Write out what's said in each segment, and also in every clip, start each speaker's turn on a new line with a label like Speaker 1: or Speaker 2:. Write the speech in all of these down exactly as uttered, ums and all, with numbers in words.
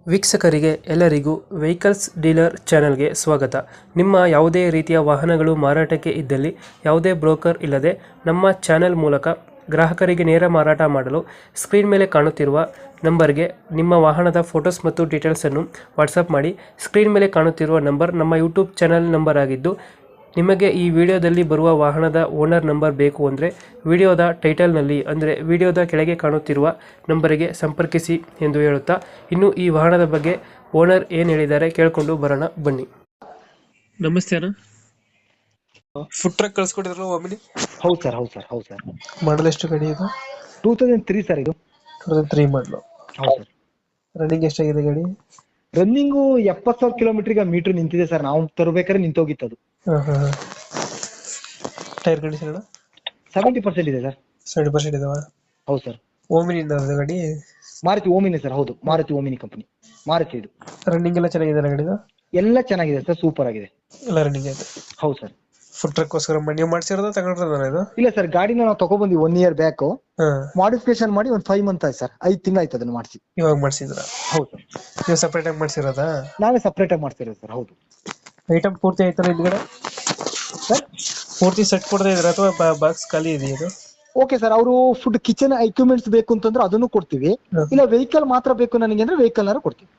Speaker 1: ವೀಕ್ಷಕರಿಗೆ ಎಲ್ಲರಿಗೂ vehicles dealer ಚಾನೆಲ್ಗೆ ಸ್ವಾಗತ. ನಿಮ್ಮ ಯಾವುದೇ ರೀತಿಯ ವಾಹನಗಳು ಮಾರಾಟಕ್ಕೆ ಇದ್ದಲ್ಲಿ ಯಾವುದೇ ಬ್ರೋಕರ್ ಇಲ್ಲದೆ ನಮ್ಮ ಚಾನೆಲ್ ಮೂಲಕ ಗ್ರಾಹಕರಿಗೆ ನೇರ ಮಾರಾಟ ಮಾಡಲು ಸ್ಕ್ರೀನ್ ಮೇಲೆ ಕಾಣುತ್ತಿರುವ ನಂಬರ್ಗೆ ನಿಮ್ಮ ವಾಹನದ ಫೋಟೋಸ್ ಮತ್ತು ಡೀಟೇಲ್ಸನ್ನು ವಾಟ್ಸಪ್ ಮಾಡಿ. ಸ್ಕ್ರೀನ್ ಮೇಲೆ ಕಾಣುತ್ತಿರುವ ನಂಬರ್ ನಮ್ಮ ಯೂಟ್ಯೂಬ್ ಚಾನೆಲ್ ನಂಬರ್ ಆಗಿದ್ದು, ನಿಮಗೆ ಈ ವಿಡಿಯೋದಲ್ಲಿ ಬರುವ ವಾಹನದ ಓನರ್ ನಂಬರ್ ಬೇಕು ಅಂದರೆ ವಿಡಿಯೋದ ಟೈಟಲ್ನಲ್ಲಿ ಅಂದರೆ ವಿಡಿಯೋದ ಕೆಳಗೆ ಕಾಣುತ್ತಿರುವ ನಂಬರಿಗೆ ಸಂಪರ್ಕಿಸಿ ಎಂದು ಹೇಳುತ್ತಾ, ಇನ್ನು ಈ ವಾಹನದ ಬಗ್ಗೆ ಓನರ್ ಏನು ಹೇಳಿದ್ದಾರೆ ಕೇಳಿಕೊಂಡು ಬರೋಣ ಬನ್ನಿ. ನಮಸ್ತೆ ಅಣ್ಣ, ಫುಡ್ ಟ್ರಕ್ ಕಳ್ಸ್ಕೊಟ್ಟಿದ್ರಲ್ಲ ಒಮ್ಮೆ?
Speaker 2: ಹೌದು ಸರ್ ಹೌದು ಸರ್ ಹೌದು ಸರ್
Speaker 1: ಮಾಡಲ್ ಎಷ್ಟು ಗಾಡಿ ಇದು?
Speaker 2: ಟೂ ತೌಸಂಡ್ ತ್ರೀ ಸರ್ ಇದು.
Speaker 1: Two thousand three model.
Speaker 2: ಹೌದು ಸರ್.
Speaker 1: ರನ್ನಿಂಗ್ ಎಷ್ಟಾಗಿದೆ ಗಾಡಿ?
Speaker 2: ರನ್ನಿಂಗು ಎಪ್ಪತ್ತು ಸಾವಿರ ಕಿಲೋಮೀಟರ್ ಈಗ ಮೀಟರ್ ನಿಂತಿದೆ ಸರ್. ನಾವು ತರಬೇಕಾದ್ರೆ ನಿಂತೋಗಿತ್ತು ಅದು.
Speaker 1: ಹಾಂ ಹಾಂ ಹಾಂ ಟೈರ್ ಕಂಡೀಷನ್ ಅಣ್ಣ?
Speaker 2: ಸೆವೆಂಟಿ ಪರ್ಸೆಂಟ್ ಇದೆ ಸರ್.
Speaker 1: ಸೆವೆಂಟಿ ಪರ್ಸೆಂಟ್ ಇದಾವ?
Speaker 2: ಹೌದು ಸರ್.
Speaker 1: ಓಮಿನಿಂದ ಅದು ಗಾಡಿ?
Speaker 2: Maruti Omni sir. ಹೌದು, ಮಾರುತಿ ಓಮಿನಿ ಕಂಪನಿ ಮಾರುತಿ ಇದು.
Speaker 1: ರನ್ನಿಂಗ್ ಎಲ್ಲ ಚೆನ್ನಾಗಿದೆ ಗಾಡಿದು?
Speaker 2: ಎಲ್ಲ ಚೆನ್ನಾಗಿದೆ ಸರ್, ಸೂಪರ್ ಆಗಿದೆ
Speaker 1: ಎಲ್ಲ ರನ್ನಿಂಗ್ ಆಯ್ತು.
Speaker 2: ಹೌದು ಸರ್.
Speaker 1: ಫುಡ್ ಟ್ರಕ್ಕೋಸ್ಕರ ನೀವು ಮಾಡ್ಸಿರೋದು ತಗೊಂಡ್ರದ ಇದು?
Speaker 2: ಇಲ್ಲ ಸರ್, ಗಾಡಿನ ನಾವು ತಗೊಬಂದ್ವಿ ಒನ್ ಇಯರ್ ಬ್ಯಾಕ್.
Speaker 1: ಹಾಂ,
Speaker 2: ಮಾಡಿಫಿಕೇಶನ್ ಮಾಡಿ ಒಂದು ಫೈವ್ ಮಂತ್ ಆಯ್ತು ಸರ್. ಐದು ತಿಂಗಳು ಆಯ್ತು ಅದನ್ನ ಮಾಡಿಸಿ.
Speaker 1: ಇವಾಗ ಮಾಡಿಸಿದ್ರ?
Speaker 2: ಹೌದು ಸರ್.
Speaker 1: ನೀವು ಸಪ್ರೇಟ್ ಆಗಿ ಮಾಡಿಸಿರೋದಾ?
Speaker 2: ನಾವೇ ಸಪ್ರೇಟ್ ಆಗಿ ಮಾಡ್ತಿರೋದು ಸರ್. ಹೌದು.
Speaker 1: ಐಟಮ್ ಪೂರ್ತಿ ಆಯ್ತಲ್ಲ ಹಿಂದ್ಗಡೆ
Speaker 2: ಸರ್?
Speaker 1: ಪೂರ್ತಿ ಸೆಟ್ ಕೊಡ್ತಾ ಇದ್ರ ಅಥವಾ ಬಾಕ್ಸ್ ಖಾಲಿ ಇದೆಯಾ ಇದು?
Speaker 2: ಓಕೆ ಸರ್, ಅವರು ಫುಡ್ ಕಿಚನ್ ಎಕ್ವಿಪ್ಮೆಂಟ್ಸ್ ಬೇಕು ಅಂತಂದ್ರೆ ಅದನ್ನು ಕೊಡ್ತೀವಿ. ಇಲ್ಲ ವೆಹಿಕಲ್ ಮಾತ್ರ ಬೇಕು ನನಗೆ ಅಂದ್ರೆ ವೆಹಿಕಲ್ ನಾರು ಕೊಡ್ತೀವಿ.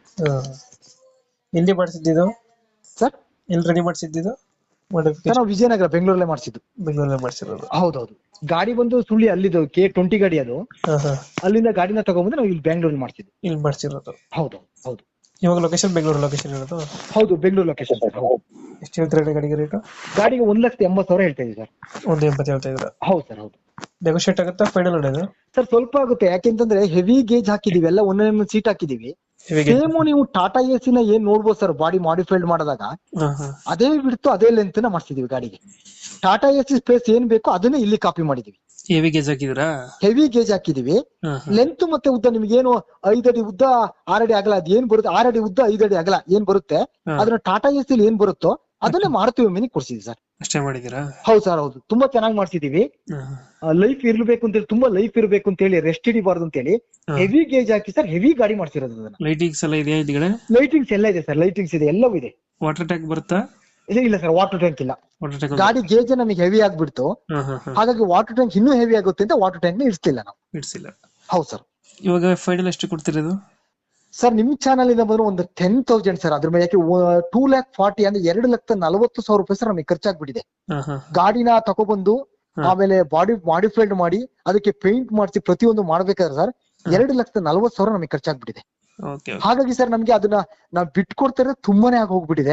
Speaker 1: ಎಲ್ಲಿ ಮಾಡಿಸಿದ್ದು
Speaker 2: ಸರ್?
Speaker 1: ಎಲ್ಲಿ ರೆಡಿ ಮಾಡಿಸಿದ್ದು?
Speaker 2: ಸರ್ ನಾವು ವಿಜಯನಗರ, ಬೆಂಗಳೂರಲ್ಲೇ ಮಾಡಿಸಿದ್ದು.
Speaker 1: ಬೆಂಗಳೂರಲ್ಲೇ ಮಾಡಿಸಿರೋದು?
Speaker 2: ಹೌದೌದು. ಗಾಡಿ ಬಂದು ಸುಳ್ಳಿ ಅಲ್ಲಿದ್ದು ಕೆ ಟ್ವೆಂಟಿ ಗಾಡಿ ಅದು.
Speaker 1: ಹಾ ಹಾ.
Speaker 2: ಅಲ್ಲಿಂದ ಗಾಡಿನ ತಗೊಂಡ್ಬಂದು ನಾವು ಇಲ್ಲಿ ಬೆಂಗಳೂರಲ್ಲಿ ಮಾಡ್ಸಿದ್ವಿ.
Speaker 1: ಇಲ್ಲಿ ಮಾಡಿಸಿರೋದು?
Speaker 2: ಹೌದು ಹೌದು.
Speaker 1: ಇವಾಗ ಲೊಕೇಶನ್ ಬೆಂಗಳೂರು ಲೊಕೇಶನ್ ಇರೋದು?
Speaker 2: ಹೌದು, ಬೆಂಗಳೂರು ಲೊಕೇಶನ್.
Speaker 1: ಎಷ್ಟು ಹೇಳ್ತೀರಾ ಗಾಡಿಗೆ ರೇಟು?
Speaker 2: ಗಾಡಿಗೆ ಒಂದ್ ಲಕ್ಷದ ಎಂಬತ್ತು ಸಾವಿರ ಹೇಳ್ತಾ ಇದೀವಿ ಸರ್.
Speaker 1: ಒಂದು ಎಂಬತ್ತು ಹೇಳ್ತಾ ಇದ್ರ?
Speaker 2: ಹೌದು ಸರ್. ಹೌದು.
Speaker 1: ನೆಗೋಷಿಯೇಟ್ ಆಗುತ್ತಾ ಫೈನಲ್ ಅನ್ನೋದು?
Speaker 2: ಸರ್ ಸ್ವಲ್ಪ ಆಗುತ್ತೆ, ಯಾಕೆಂತಂದ್ರೆ ಹೆವಿ ಗೇಜ್ ಹಾಕಿದೀವಿ, ಎಲ್ಲ ಒಂದೊಂದು ಸೀಟ್ ಹಾಕಿದೀವಿ. ಸೇಮ್ ನೀವು ಟಾಟಾ ಎ ನ ಏನ್ ನೋಡ್ಬೋದು ಸರ್, ಬಾಡಿ ಮಾಡಿಫೈಡ್ ಮಾಡಿದಾಗ ಅದೇ ಬಿಡ್ತು ಅದೇ ಲೆಂತ್ ನ ಮಾಡ್ಸಿದೀವಿ ಗಾಡಿಗೆ. ಟಾಟಾ ಎಸಿ ಸ್ಪೇಸ್ ಏನ್ ಬೇಕೋ ಅದನ್ನೇ ಇಲ್ಲಿ ಕಾಪಿ ಮಾಡಿದೀವಿ.
Speaker 1: ಹೆವಿ ಗೇಜ್ ಹಾಕಿದ್ರಾ? ಹೆವಿ
Speaker 2: ಗೇಜ್ ಹಾಕಿದೀವಿ. ಲೆಂತ್ ಮತ್ತೆ ಉದ್ದ ನಿಮ್ಗೆ ಏನು ಐದಡಿ ಉದ್ದ ಆರಡಿ ಅಗಲ ಅದ್ ಏನ್ ಬರುತ್ತೆ, ಆರಡಿ ಉದ್ದ ಐದಡಿ ಅಗಲ ಏನ್ ಬರುತ್ತೆ ಅದನ್ನ ಟಾಟಾ ಎಸಿ ಏನ್ ಬರುತ್ತೋ ಅದನ್ನೇ ಮಾಡ್ತೀವಿ ಮಿನಿ ಕೊಡ್ಸಿದ್ವಿ ಸರ್.
Speaker 1: ಅಷ್ಟೇ ಮಾಡಿದೀರಾ?
Speaker 2: ಹೌದು ಸರ್. ಹೌದು, ತುಂಬಾ ಚೆನ್ನಾಗಿ ಮಾಡ್ಸಿದೀವಿ. ಲೈಫ್ ಇರ್ಬೇಕು ಅಂತ ಹೇಳಿ, ತುಂಬಾ ಲೈಫ್ ಇರ್ಬೇಕು ಅಂತ ಹೇಳಿ, ರೆಸ್ಟ್ ಹಿಡಿಬಾರ್ದು ಅಂತ ಹೇಳಿ ಹೆವಿ ಗೇಜ್ ಹಾಕಿ ಸರ್ ಹೆವಿ ಗಾಡಿ ಮಾಡ್ಸಿರೋದು. ಅದನ್ನ
Speaker 1: ಲೈಟಿಂಗ್ಸ್ ಎಲ್ಲ ಇದೆಯಾ ಇದೆಗಡೆ?
Speaker 2: ಲೈಟಿಂಗ್ಸ್ ಎಲ್ಲ ಇದೆ ಸರ್, ಲೈಟಿಂಗ್ಸ್ ಇದೆ, ಎಲ್ಲವೂ ಇದೆ.
Speaker 1: ವಾಟರ್ ಟ್ಯಾಂಕ್ ಬರುತ್ತಾ?
Speaker 2: ಇಲ್ಲ ಸರ್, ವಾಟರ್ ಟ್ಯಾಂಕ್ ಇಲ್ಲ.
Speaker 1: ವಾಟರ್ ಟ್ಯಾಂಕ್
Speaker 2: ಗಾಡಿ ಗೇಜ್ ನಮಗೆ ಹೆವಿ ಆಗ್ಬಿಡ್ತು, ಹಾಗಾಗಿ ವಾಟರ್ ಟ್ಯಾಂಕ್ ಇನ್ನೂ ಹೆವಿ ಆಗುತ್ತೆ ಅಂತ ವಾಟರ್ ಟ್ಯಾಂಕ್ ನ ಇಡ್ತಿಲ್ಲ ನಾವು.
Speaker 1: ಇಡ್ಸಿಲ್ಲ? ಹೌದು
Speaker 2: ಸರ್.
Speaker 1: ಇವಾಗ ಫೈನಲ್ ಎಷ್ಟು ಕೊಡ್ತಿರೋದು
Speaker 2: ಸರ್? ನಿಮ್ ಚಾನಲ್ ಇಂದ ಬಂದ್ರೆ ಒಂದು ಟೆನ್ ತೌಸಂಡ್ ಸರ್. ಅದ್ರ ಮೇಲೆ ಯಾಕೆ ಟೂ ಲ್ಯಾಕ್ ಫಾರ್ಟಿ ಅಂದ್ರೆ ಎರಡು ಲಕ್ಷದ ನಲವತ್ತು ಸಾವಿರ ರೂಪಾಯಿ ಸರ್ ನಮಗೆ ಖರ್ಚಾಗ್ಬಿಟ್ಟಿದೆ. ಗಾಡಿನ ತಗೊಬಂದು ಆಮೇಲೆ ಬಾಡಿ ಮಾಡಿಫೈಡ್ ಮಾಡಿ ಅದಕ್ಕೆ ಪೇಂಟ್ ಮಾಡಿಸಿ ಪ್ರತಿಯೊಂದು ಮಾಡ್ಬೇಕಾದ್ರೆ ಸರ್ ಎರಡು ಲಕ್ಷದ ನಲವತ್ತು ಸಾವಿರ ನಮಗೆ ಖರ್ಚಾಗ್ಬಿಟ್ಟಿದೆ. ಹಾಗಾಗಿ ಸರ್ ನಮ್ಗೆ ಅದನ್ನ ನಾವ್ ಬಿಟ್ಕೊಡ್ತಾ ಇರೋದು ತುಂಬಾನೇ ಆಗಿ ಹೋಗ್ಬಿಟ್ಟಿದೆ.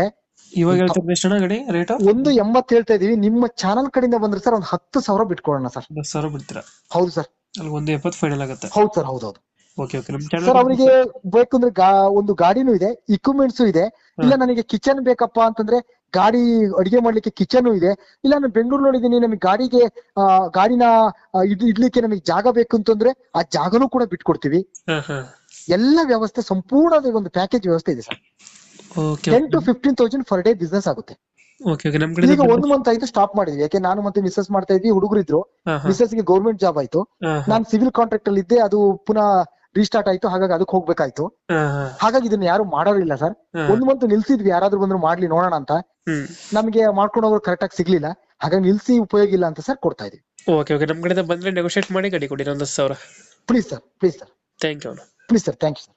Speaker 1: ಇವಾಗ
Speaker 2: ಒಂದು ಎಂಬತ್ತು ಹೇಳ್ತಾ ಇದೀವಿ. ನಿಮ್ಮ ಚಾನಲ್ ಕಡೆಯಿಂದ ಬಂದ್ರೆ ಸರ್ ಒಂದು ಹತ್ತು ಸಾವಿರ ಬಿಟ್ಕೊಡೋಣ ಸರ್.
Speaker 1: ಸಾವಿರ ಬಿಡ್ತೀರಾ?
Speaker 2: ಹೌದು ಸರ್.
Speaker 1: ಒಂದು ಎಪ್ಪತ್ತು ಫೈನಲ್ ಆಗುತ್ತೆ?
Speaker 2: ಹೌದು ಸರ್. ಹೌದೌದು.
Speaker 1: Okay okay.
Speaker 2: ಸರ್ ಅವರಿಗೆ ಬೇಕಂದ್ರೆ ಒಂದು ಗಾಡಿನೂ ಇದೆ, ಇಕ್ವಿಪ್ಮೆಂಟ್ಸ್ ಇದೆ. ಇಲ್ಲ ನನಗೆ ಕಿಚನ್ ಬೇಕಪ್ಪ ಅಂತಂದ್ರೆ ಗಾಡಿ ಅಡಿಗೆ ಮಾಡ್ಲಿಕ್ಕೆ ಕಿಚನ್ ಇದೆ. ಇಲ್ಲ ನಾನು ಬೆಂಗಳೂರು ನೋಡಿದೀನಿ, ನಮಗೆ ಗಾಡಿಗೆ ಆ ಗಾಡಿನ ಇಡ್ಲಿಕ್ಕೆ ನಮಗೆ ಜಾಗ ಬೇಕು ಅಂತಂದ್ರೆ ಆ ಜಾಗನೂ ಕೂಡ ಬಿಟ್ಕೊಡ್ತೀವಿ. ಎಲ್ಲ ವ್ಯವಸ್ಥೆ ಸಂಪೂರ್ಣ ಒಂದು ಪ್ಯಾಕೇಜ್ ವ್ಯವಸ್ಥೆ ಇದೆ sir. Ten to fifteen thousand per day business ಆಗುತ್ತೆ. ಈಗ ಒಂದು ಮಂತ್ ಆಯ್ತು ಸ್ಟಾಪ್ ಮಾಡಿದ್ವಿ, ಯಾಕೆ ನಾನು ಮತ್ತೆ ಮಿಸಸ್ ಮಾಡ್ತಾ ಇದ್ವಿ, ಹುಡುಗರು ಇದ್ರು. ಮಿಸಸ್ ಗೆ ಗೌರ್ಮೆಂಟ್ ಜಾಬ್ ಆಯ್ತು, ನಾನು ಸಿವಿಲ್ ಕಾಂಟ್ರಾಕ್ಟ್ ಅಲ್ಲಿ ಇದ್ದೆ, ಅದು ಪುನಃ ರೀಸ್ಟಾರ್ಟ್ ಆಯ್ತು, ಹಾಗಾಗಿ ಅದಕ್ಕೆ ಹೋಗ್ಬೇಕಾಯ್ತು. ಹಾಗಾಗಿ ಇದನ್ನ ಯಾರು ಮಾಡೋರಿಲ್ಲ ಸರ್. ಒಂದ್ ಮಂತ್ ನಿಲ್ಸಿದ್ವಿ, ಯಾರಾದ್ರೂ ಬಂದ್ರು ಮಾಡ್ಲಿ ನೋಡೋಣ ಅಂತ. ನಮ್ಗೆ ಮಾಡ್ಕೊಂಡು ಹೋಗೋರು ಕರೆಕ್ಟ್ ಆಗಿ ಸಿಗ್ಲಿಲ್ಲ, ಹಾಗಾಗಿ ನಿಲ್ಸಿ ಉಪಯೋಗ ಇಲ್ಲ ಅಂತ ಸರ್ ಕೊಡ್ತಾ ಇದೀವಿ.
Speaker 1: Okay okay. ನಮ್ ಕಡೆ ಬಂದ್ರೆ ನೆಗೋಷಿಯೇಟ್ ಮಾಡಿ ಗಾಡಿ ಕೊಡಿ ಒಂದು ಸಾವಿರ.
Speaker 2: Please sir, please sir.
Speaker 1: Thank you.
Speaker 2: Please sir, thank you sir.